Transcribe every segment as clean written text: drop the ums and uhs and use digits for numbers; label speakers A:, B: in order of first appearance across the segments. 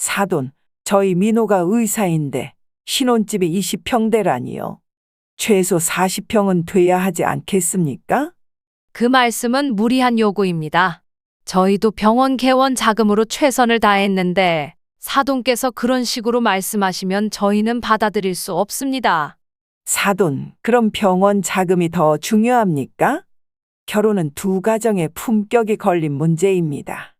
A: 사돈, 저희 민호가 의사인데 신혼집이 20평대라니요. 최소 40평은 돼야 하지 않겠습니까?
B: 그 말씀은 무리한 요구입니다. 저희도 병원 개원 자금으로 최선을 다했는데 사돈께서 그런 식으로 말씀하시면 저희는 받아들일 수 없습니다.
A: 사돈, 그럼 병원 자금이 더 중요합니까? 결혼은 두 가정의 품격이 걸린 문제입니다.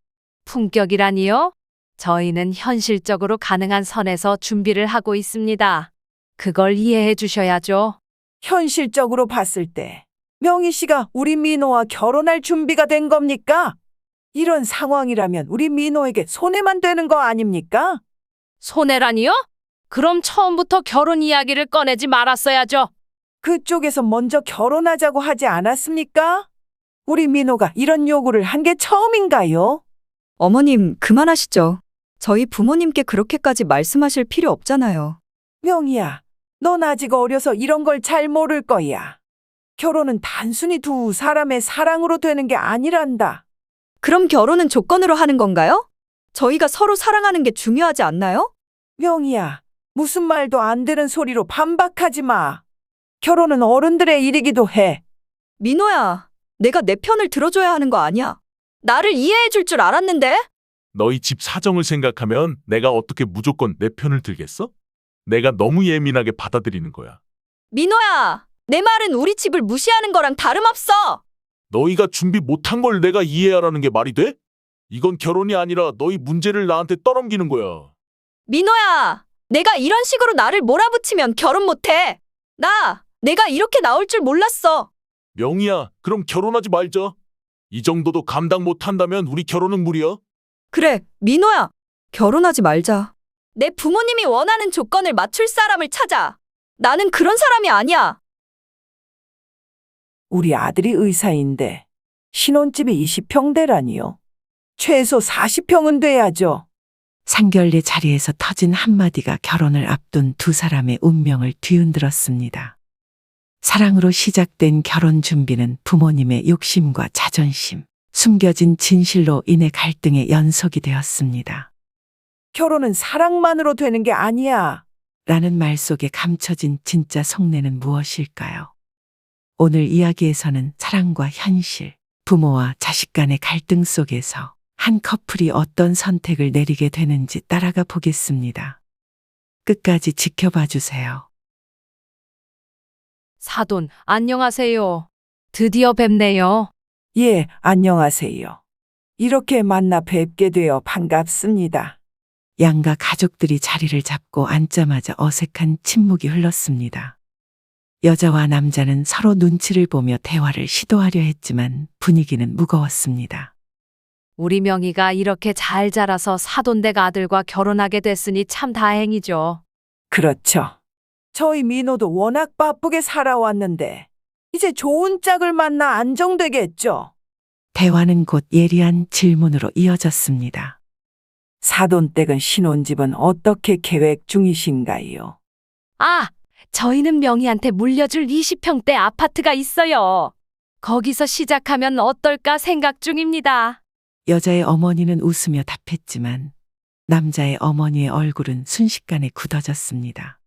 B: 품격이라니요? 저희는 현실적으로 가능한 선에서 준비를 하고 있습니다. 그걸 이해해 주셔야죠.
A: 현실적으로 봤을 때 명희 씨가 우리 민호와 결혼할 준비가 된 겁니까? 이런 상황이라면 우리 민호에게 손해만 되는 거 아닙니까?
B: 손해라니요? 그럼 처음부터 결혼 이야기를 꺼내지 말았어야죠.
A: 그쪽에서 먼저 결혼하자고 하지 않았습니까? 우리 민호가 이런 요구를 한 게 처음인가요?
C: 어머님, 그만하시죠. 저희 부모님께 그렇게까지 말씀하실 필요 없잖아요.
A: 명희야, 넌 아직 어려서 이런 걸 잘 모를 거야. 결혼은 단순히 두 사람의 사랑으로 되는 게 아니란다.
C: 그럼 결혼은 조건으로 하는 건가요? 저희가 서로 사랑하는 게 중요하지 않나요?
A: 명희야, 무슨 말도 안 되는 소리로 반박하지 마. 결혼은 어른들의 일이기도 해.
C: 민호야, 내가 내 편을 들어줘야 하는 거 아니야. 나를 이해해 줄 줄 알았는데?
D: 너희 집 사정을 생각하면 내가 어떻게 무조건 내 편을 들겠어? 내가 너무 예민하게 받아들이는 거야.
C: 민호야, 내 말은 우리 집을 무시하는 거랑 다름없어.
D: 너희가 준비 못한 걸 내가 이해하라는 게 말이 돼? 이건 결혼이 아니라 너희 문제를 나한테 떠넘기는 거야.
C: 민호야, 내가 이런 식으로 나를 몰아붙이면 결혼 못해. 내가 이렇게 나올 줄 몰랐어.
D: 명희야, 그럼 결혼하지 말자. 이 정도도 감당 못한다면 우리 결혼은 무리야.
C: 그래, 민호야, 결혼하지 말자. 내 부모님이 원하는 조건을 맞출 사람을 찾아. 나는 그런 사람이 아니야.
A: 우리 아들이 의사인데 신혼집이 20평대라니요. 최소 40평은 돼야죠. 상결례 자리에서 터진 한마디가 결혼을 앞둔 두 사람의 운명을 뒤흔들었습니다. 사랑으로 시작된 결혼 준비는 부모님의 욕심과 자존심, 숨겨진 진실로 인해 갈등의 연속이 되었습니다. 결혼은 사랑만으로 되는 게 아니야. 라는 말 속에 감춰진 진짜 속내는 무엇일까요? 오늘 이야기에서는 사랑과 현실, 부모와 자식 간의 갈등 속에서 한 커플이 어떤 선택을 내리게 되는지 따라가 보겠습니다. 끝까지 지켜봐 주세요.
B: 사돈, 안녕하세요. 드디어 뵙네요.
A: 예, 안녕하세요. 이렇게 만나 뵙게 되어 반갑습니다. 양가 가족들이 자리를 잡고 앉자마자 어색한 침묵이 흘렀습니다. 여자와 남자는 서로 눈치를 보며 대화를 시도하려 했지만 분위기는 무거웠습니다.
B: 우리 명희가 이렇게 잘 자라서 사돈댁 아들과 결혼하게 됐으니 참 다행이죠.
A: 그렇죠. 저희 민호도 워낙 바쁘게 살아왔는데 이제 좋은 짝을 만나 안정되겠죠. 대화는 곧 예리한 질문으로 이어졌습니다. 사돈댁은 신혼집은 어떻게 계획 중이신가요?
B: 아, 저희는 명희한테 물려줄 20평대 아파트가 있어요. 거기서 시작하면 어떨까 생각 중입니다.
A: 여자의 어머니는 웃으며 답했지만 남자의 어머니의 얼굴은 순식간에 굳어졌습니다.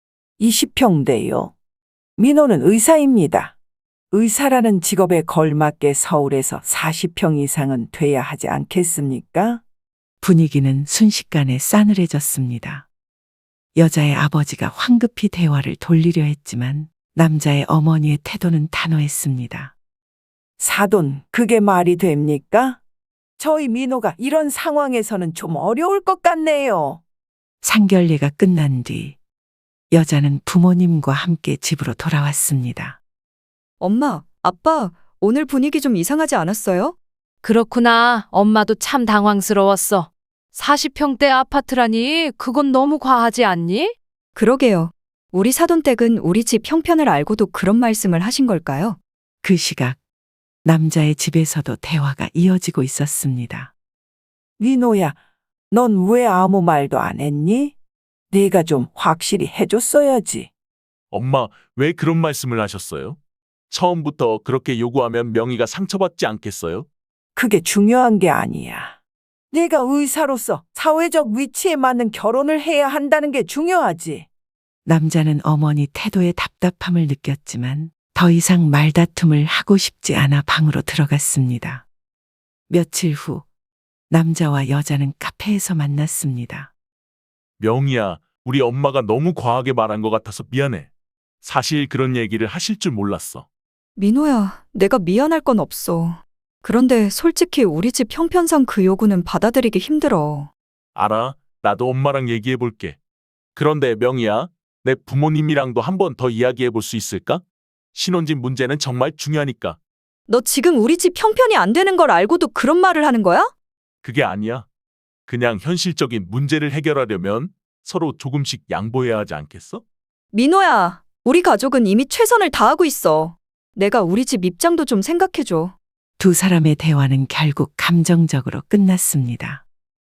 A: 20평대요. 민호는 의사입니다. 의사라는 직업에 걸맞게 서울에서 40평 이상은 돼야 하지 않겠습니까? 분위기는 순식간에 싸늘해졌습니다. 여자의 아버지가 황급히 대화를 돌리려 했지만 남자의 어머니의 태도는 단호했습니다. 사돈, 그게 말이 됩니까? 저희 민호가 이런 상황에서는 좀 어려울 것 같네요. 상결례가 끝난 뒤 여자는 부모님과 함께 집으로 돌아왔습니다.
C: 엄마, 아빠, 오늘 분위기 좀 이상하지 않았어요?
B: 그렇구나. 엄마도 참 당황스러웠어. 40평대 아파트라니 그건 너무 과하지 않니?
C: 그러게요. 우리 사돈댁은 우리 집 형편을 알고도 그런 말씀을 하신 걸까요?
A: 그 시각 남자의 집에서도 대화가 이어지고 있었습니다. 민호야, 넌 왜 아무 말도 안 했니? 네가 좀 확실히 해줬어야지.
D: 엄마, 왜 그런 말씀을 하셨어요? 처음부터 그렇게 요구하면 명희가 상처받지 않겠어요?
A: 그게 중요한 게 아니야. 내가 의사로서 사회적 위치에 맞는 결혼을 해야 한다는 게 중요하지. 남자는 어머니 태도에 답답함을 느꼈지만 더 이상 말다툼을 하고 싶지 않아 방으로 들어갔습니다. 며칠 후 남자와 여자는 카페에서 만났습니다.
D: 명희야, 우리 엄마가 너무 과하게 말한 것 같아서 미안해. 사실 그런 얘기를 하실 줄 몰랐어.
C: 민호야, 내가 미안할 건 없어. 그런데 솔직히 우리 집 형편상 그 요구는 받아들이기 힘들어.
D: 알아, 나도 엄마랑 얘기해 볼게. 그런데 명희야, 내 부모님이랑도 한 번 더 이야기해 볼 수 있을까? 신혼집 문제는 정말 중요하니까.
C: 너 지금 우리 집 형편이 안 되는 걸 알고도 그런 말을 하는 거야?
D: 그게 아니야. 그냥 현실적인 문제를 해결하려면 서로 조금씩 양보해야 하지 않겠어?
C: 민호야, 우리 가족은 이미 최선을 다하고 있어. 내가 우리 집 입장도 좀 생각해줘.
A: 두 사람의 대화는 결국 감정적으로 끝났습니다.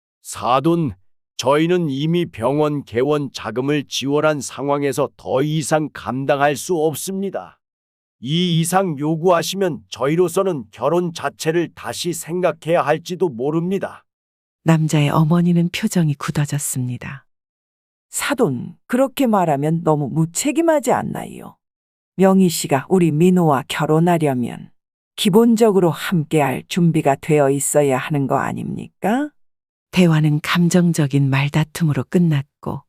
E: 사돈, 저희는 이미 병원 개원 자금을 지원한 상황에서 더 이상 감당할 수 없습니다. 이 이상 요구하시면 저희로서는 결혼 자체를 다시 생각해야 할지도 모릅니다.
A: 남자의 어머니는 표정이 굳어졌습니다. 사돈, 그렇게 말하면 너무 무책임하지 않나요? 명희 씨가 우리 민호와 결혼하려면 기본적으로 함께할 준비가 되어 있어야 하는 거 아닙니까? 대화는 감정적인 말다툼으로 끝났고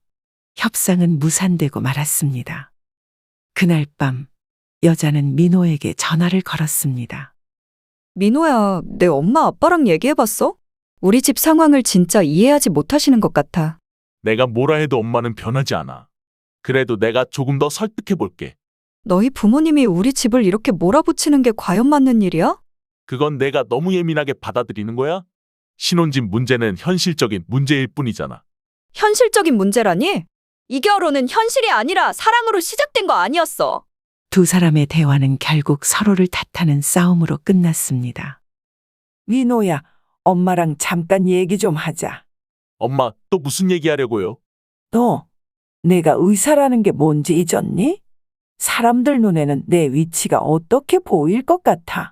A: 협상은 무산되고 말았습니다. 그날 밤 여자는 민호에게 전화를 걸었습니다.
C: 민호야, 내 엄마 아빠랑 얘기해봤어? 우리 집 상황을 진짜 이해하지 못하시는 것 같아.
D: 내가 뭐라 해도 엄마는 변하지 않아. 그래도 내가 조금 더 설득해 볼게.
C: 너희 부모님이 우리 집을 이렇게 몰아붙이는 게 과연 맞는 일이야?
D: 그건 내가 너무 예민하게 받아들이는 거야? 신혼집 문제는 현실적인 문제일 뿐이잖아.
C: 현실적인 문제라니? 이 결혼은 현실이 아니라 사랑으로 시작된 거 아니었어.
A: 두 사람의 대화는 결국 서로를 탓하는 싸움으로 끝났습니다. 민호야, 엄마랑 잠깐 얘기 좀 하자.
D: 엄마, 또 무슨 얘기하려고요?
A: 너, 내가 의사라는 게 뭔지 잊었니? 사람들 눈에는 내 위치가 어떻게 보일 것 같아.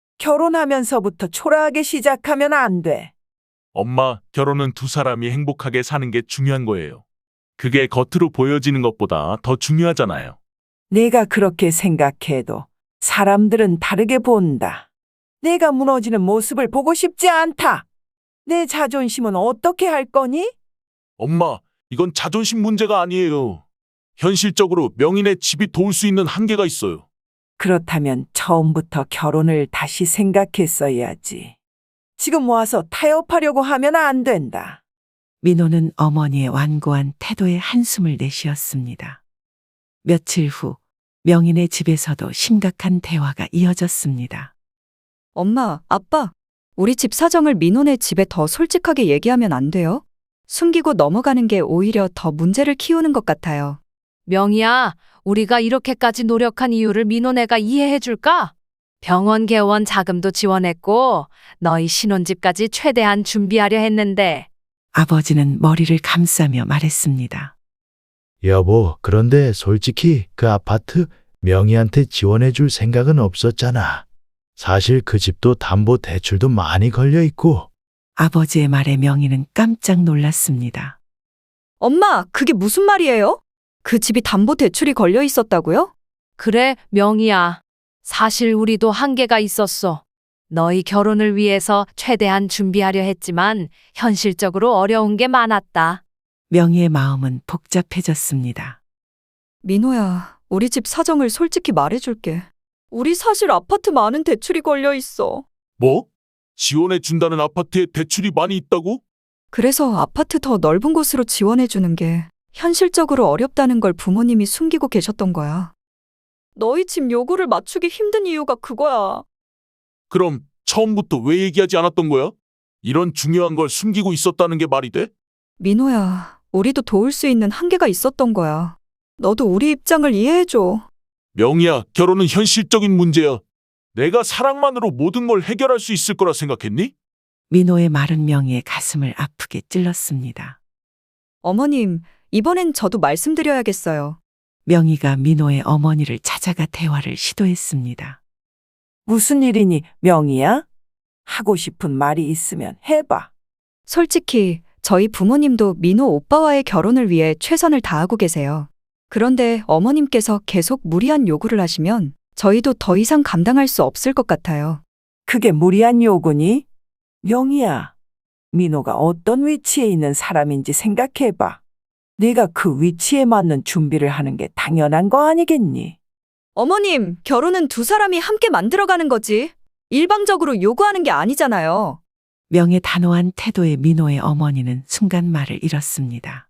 A: 결혼하면서부터 초라하게 시작하면 안 돼.
D: 엄마, 결혼은 두 사람이 행복하게 사는 게 중요한 거예요. 그게 겉으로 보여지는 것보다 더 중요하잖아요.
A: 내가 그렇게 생각해도 사람들은 다르게 본다. 내가 무너지는 모습을 보고 싶지 않다. 내 자존심은 어떻게 할 거니?
D: 엄마, 이건 자존심 문제가 아니에요. 현실적으로 명인의 집이 도울 수 있는 한계가 있어요.
A: 그렇다면 처음부터 결혼을 다시 생각했어야지. 지금 와서 타협하려고 하면 안 된다. 민호는 어머니의 완고한 태도에 한숨을 내쉬었습니다. 며칠 후 명인의 집에서도 심각한 대화가 이어졌습니다.
C: 엄마, 아빠, 우리 집 사정을 민호네 집에 더 솔직하게 얘기하면 안 돼요? 숨기고 넘어가는 게 오히려 더 문제를 키우는 것 같아요.
B: 명희야, 우리가 이렇게까지 노력한 이유를 민호네가 이해해 줄까? 병원 개원 자금도 지원했고 너희 신혼집까지 최대한 준비하려 했는데
A: 아버지는 머리를 감싸며 말했습니다.
F: 여보, 그런데 솔직히 그 아파트 명희한테 지원해 줄 생각은 없었잖아. 사실 그 집도 담보 대출도 많이 걸려 있고.
A: 아버지의 말에 명희는 깜짝 놀랐습니다.
C: 엄마, 그게 무슨 말이에요? 그 집이 담보 대출이 걸려 있었다고요?
B: 그래, 명희야. 사실 우리도 한계가 있었어. 너희 결혼을 위해서 최대한 준비하려 했지만 현실적으로 어려운 게 많았다.
A: 명희의 마음은 복잡해졌습니다.
C: 민호야, 우리 집 사정을 솔직히 말해줄게. 우리 사실 아파트 많은 대출이 걸려 있어.
D: 뭐? 지원해 준다는 아파트에 대출이 많이 있다고?
C: 그래서 아파트 더 넓은 곳으로 지원해주는 게 현실적으로 어렵다는 걸 부모님이 숨기고 계셨던 거야. 너희 집 요구를 맞추기 힘든 이유가 그거야.
D: 그럼 처음부터 왜 얘기하지 않았던 거야? 이런 중요한 걸 숨기고 있었다는 게 말이 돼?
C: 민호야, 우리도 도울 수 있는 한계가 있었던 거야. 너도 우리 입장을 이해해줘.
D: 명희야, 결혼은 현실적인 문제야. 내가 사랑만으로 모든 걸 해결할 수 있을 거라 생각했니?
A: 민호의 말은 명희의 가슴을 아프게 찔렀습니다.
C: 어머님, 이번엔 저도 말씀드려야겠어요.
A: 명희가 민호의 어머니를 찾아가 대화를 시도했습니다. 무슨 일이니, 명희야? 하고 싶은 말이 있으면 해봐.
C: 솔직히 저희 부모님도 민호 오빠와의 결혼을 위해 최선을 다하고 계세요. 그런데 어머님께서 계속 무리한 요구를 하시면 저희도 더 이상 감당할 수 없을 것 같아요.
A: 그게 무리한 요구니? 명희야, 민호가 어떤 위치에 있는 사람인지 생각해봐. 네가 그 위치에 맞는 준비를 하는 게 당연한 거 아니겠니?
C: 어머님, 결혼은 두 사람이 함께 만들어가는 거지. 일방적으로 요구하는 게 아니잖아요.
A: 명의 단호한 태도에 민호의 어머니는 순간 말을 잃었습니다.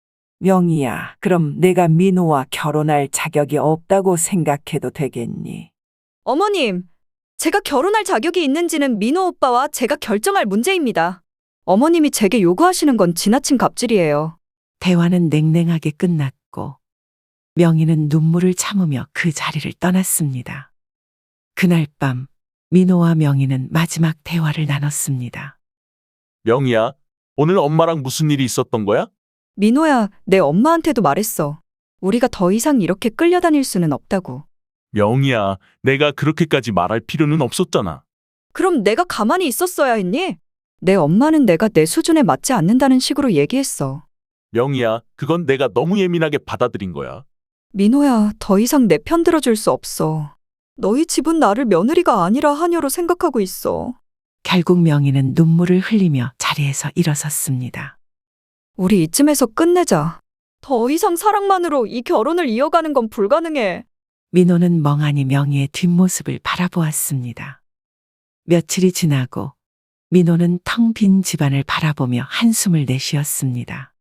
A: 명희야, 그럼 내가 민호와 결혼할 자격이 없다고 생각해도 되겠니?
C: 어머님, 제가 결혼할 자격이 있는지는 민호 오빠와 제가 결정할 문제입니다. 어머님이 제게 요구하시는 건 지나친 갑질이에요.
A: 대화는 냉랭하게 끝났고 명희는 눈물을 참으며 그 자리를 떠났습니다. 그날 밤 민호와 명희는 마지막 대화를 나눴습니다.
D: 명희야, 오늘 엄마랑 무슨 일이 있었던 거야?
C: 민호야, 내 엄마한테도 말했어. 우리가 더 이상 이렇게 끌려다닐 수는 없다고.
D: 명희야, 내가 그렇게까지 말할 필요는 없었잖아.
C: 그럼 내가 가만히 있었어야 했니? 내 엄마는 내가 내 수준에 맞지 않는다는 식으로 얘기했어.
D: 명희야, 그건 내가 너무 예민하게 받아들인 거야.
C: 민호야, 더 이상 내 편 들어줄 수 없어. 너희 집은 나를 며느리가 아니라 하녀로 생각하고 있어.
A: 결국 명희는 눈물을 흘리며 자리에서 일어섰습니다.
C: 우리 이쯤에서 끝내자. 더 이상 사랑만으로 이 결혼을 이어가는 건 불가능해.
A: 민호는 멍하니 명희의 뒷모습을 바라보았습니다. 며칠이 지나고 민호는 텅 빈 집안을 바라보며 한숨을 내쉬었습니다.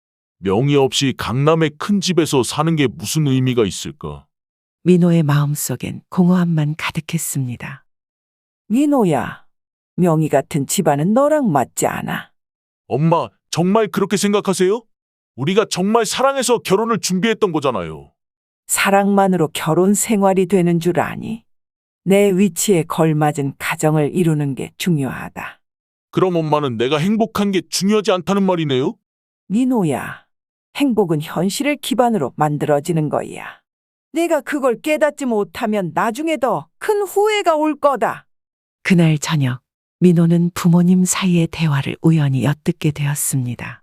D: 명희 없이 강남의 큰 집에서 사는 게 무슨 의미가 있을까?
A: 민호의 마음속엔 공허함만 가득했습니다. 민호야, 명희 같은 집안은 너랑 맞지 않아.
D: 엄마, 정말 그렇게 생각하세요? 우리가 정말 사랑해서 결혼을 준비했던 거잖아요.
A: 사랑만으로 결혼 생활이 되는 줄 아니? 내 위치에 걸맞은 가정을 이루는 게 중요하다.
D: 그럼 엄마는 내가 행복한 게 중요하지 않다는 말이네요?
A: 민호야, 행복은 현실을 기반으로 만들어지는 거야. 내가 그걸 깨닫지 못하면 나중에 더 큰 후회가 올 거다. 그날 저녁, 민호는 부모님 사이의 대화를 우연히 엿듣게 되었습니다.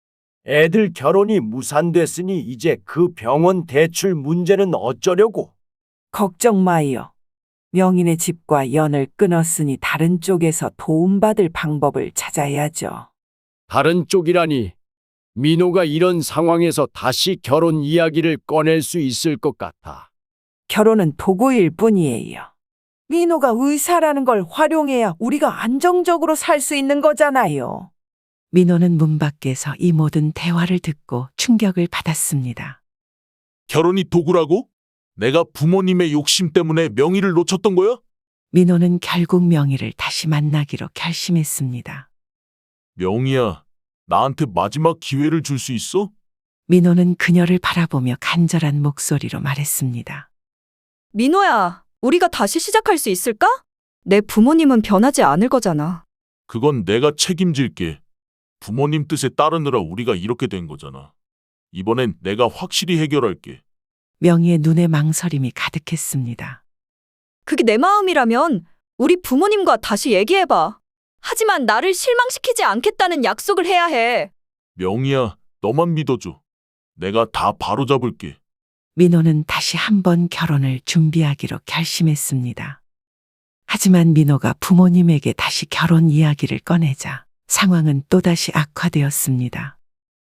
E: 애들 결혼이 무산됐으니 이제 그 병원 대출 문제는 어쩌려고?
A: 걱정 마이요. 명인의 집과 연을 끊었으니 다른 쪽에서 도움받을 방법을 찾아야죠.
E: 다른 쪽이라니. 민호가 이런 상황에서 다시 결혼 이야기를 꺼낼 수 있을 것 같아.
A: 결혼은 도구일 뿐이에요. 민호가 의사라는 걸 활용해야 우리가 안정적으로 살 수 있는 거잖아요. 민호는 문 밖에서 이 모든 대화를 듣고 충격을 받았습니다.
D: 결혼이 도구라고? 내가 부모님의 욕심 때문에 명희를 놓쳤던 거야?
A: 민호는 결국 명희를 다시 만나기로 결심했습니다.
D: 명희야, 나한테 마지막 기회를 줄 수 있어?
A: 민호는 그녀를 바라보며 간절한 목소리로 말했습니다.
C: 민호야, 우리가 다시 시작할 수 있을까? 내 부모님은 변하지 않을 거잖아.
D: 그건 내가 책임질게. 부모님 뜻에 따르느라 우리가 이렇게 된 거잖아. 이번엔 내가 확실히 해결할게.
A: 명희의 눈에 망설임이 가득했습니다.
C: 그게 내 마음이라면 우리 부모님과 다시 얘기해봐. 하지만 나를 실망시키지 않겠다는 약속을 해야 해.
D: 명희야, 너만 믿어줘. 내가 다 바로잡을게.
A: 민호는 다시 한번 결혼을 준비하기로 결심했습니다. 하지만 민호가 부모님에게 다시 결혼 이야기를 꺼내자 상황은 또다시 악화되었습니다.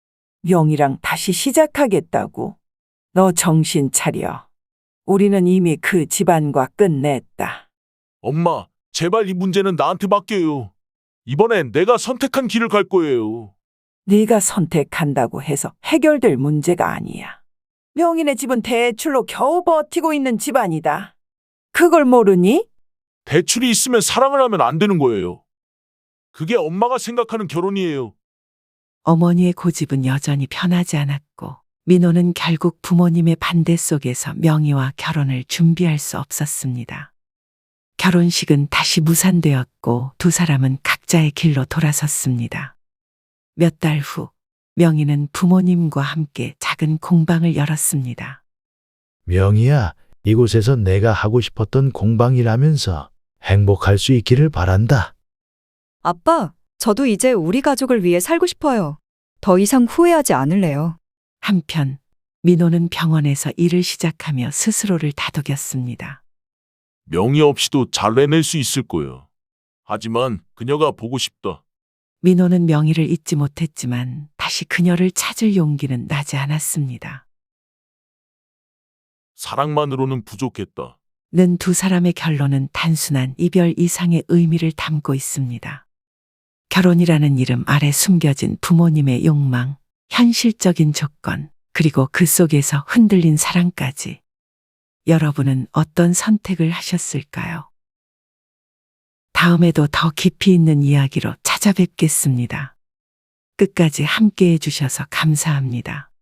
A: 명희랑 다시 시작하겠다고? 너 정신 차려. 우리는 이미 그 집안과 끝냈다.
D: 엄마, 제발 이 문제는 나한테 맡겨요. 이번엔 내가 선택한 길을 갈 거예요.
A: 네가 선택한다고 해서 해결될 문제가 아니야. 명인의 집은 대출로 겨우 버티고 있는 집안이다. 그걸 모르니?
D: 대출이 있으면 사랑을 하면 안 되는 거예요. 그게 엄마가 생각하는 결혼이에요.
A: 어머니의 고집은 여전히 변하지 않았고 민호는 결국 부모님의 반대 속에서 명희와 결혼을 준비할 수 없었습니다. 결혼식은 다시 무산되었고 두 사람은 각자의 길로 돌아섰습니다. 몇 달 후 명희는 부모님과 함께 작은 공방을 열었습니다.
F: 명희야, 이곳에서 내가 하고 싶었던 공방이라면서 행복할 수 있기를 바란다.
C: 아빠, 저도 이제 우리 가족을 위해 살고 싶어요. 더 이상 후회하지 않을래요.
A: 한편 민호는 병원에서 일을 시작하며 스스로를 다독였습니다.
D: 명의 없이도 잘 해낼 수 있을 거예요. 하지만 그녀가 보고 싶다.
A: 민호는 명희를 잊지 못했지만 다시 그녀를 찾을 용기는 나지 않았습니다.
D: 사랑만으로는 부족했다.
A: 는 두 사람의 결론은 단순한 이별 이상의 의미를 담고 있습니다. 결혼이라는 이름 아래 숨겨진 부모님의 욕망, 현실적인 조건, 그리고 그 속에서 흔들린 사랑까지. 여러분은 어떤 선택을 하셨을까요? 다음에도 더 깊이 있는 이야기로 찾아뵙겠습니다. 끝까지 함께 해주셔서 감사합니다.